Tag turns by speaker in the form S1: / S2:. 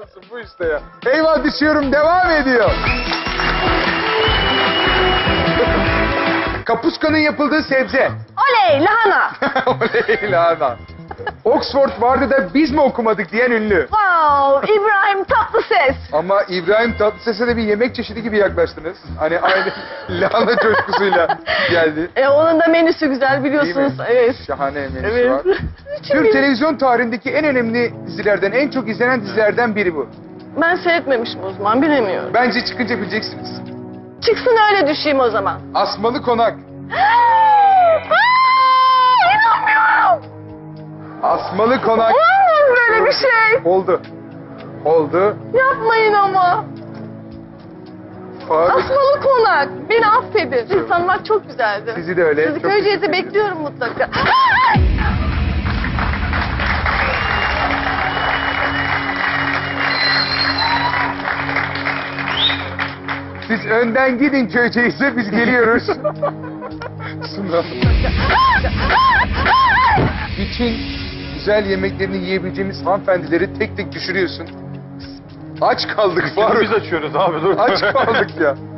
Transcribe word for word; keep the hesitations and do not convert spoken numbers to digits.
S1: olsun bu işte ya. Eyvah düşüyorum devam ediyor. Kapuska'nın yapıldığı sebze.
S2: Oley lahana.
S1: Oley lahana. Oxford vardı da biz mi okumadık diyen ünlü.
S2: Wow İbrahim Tatlıses.
S1: Ama İbrahim Tatlıses'e de bir yemek çeşidi gibi yaklaştınız. Hani aynı lahana coşkusuyla geldi.
S2: E, onun da menüsü güzel biliyorsunuz.
S1: Değil mi?
S2: Evet.
S1: Şahane menüsü
S2: Evet.
S1: var. Türk televizyon tarihindeki en önemli dizilerden, en çok izlenen dizilerden biri bu.
S2: Ben seyretmemişim o zaman bilemiyorum.
S1: Bence çıkınca bileceksiniz.
S2: Çıksın öyle düşeyim o zaman.
S1: Asmalı Konak.
S2: Aa, İnanmıyorum.
S1: Asmalı Konak.
S2: Olamaz böyle bir şey.
S1: Oldu. Oldu.
S2: Yapmayın ama.
S1: Faruk.
S2: Asmalı konak. Beni affedin. Sizi tanımak çok güzeldi.
S1: Sizi de öyle.
S2: Sizi
S1: Çok
S2: Köyceğiz'e
S1: teşekkür ederim.
S2: bekliyorum mutlaka.
S1: Siz önden gidin Köyceğiz'e, biz geliyoruz. Suna. Bütün güzel yemeklerini yiyebileceğimiz hanımefendileri tek tek düşürüyorsun. Aç kaldık Faruk.
S3: Biz açıyoruz abi dur.
S1: Aç kaldık ya.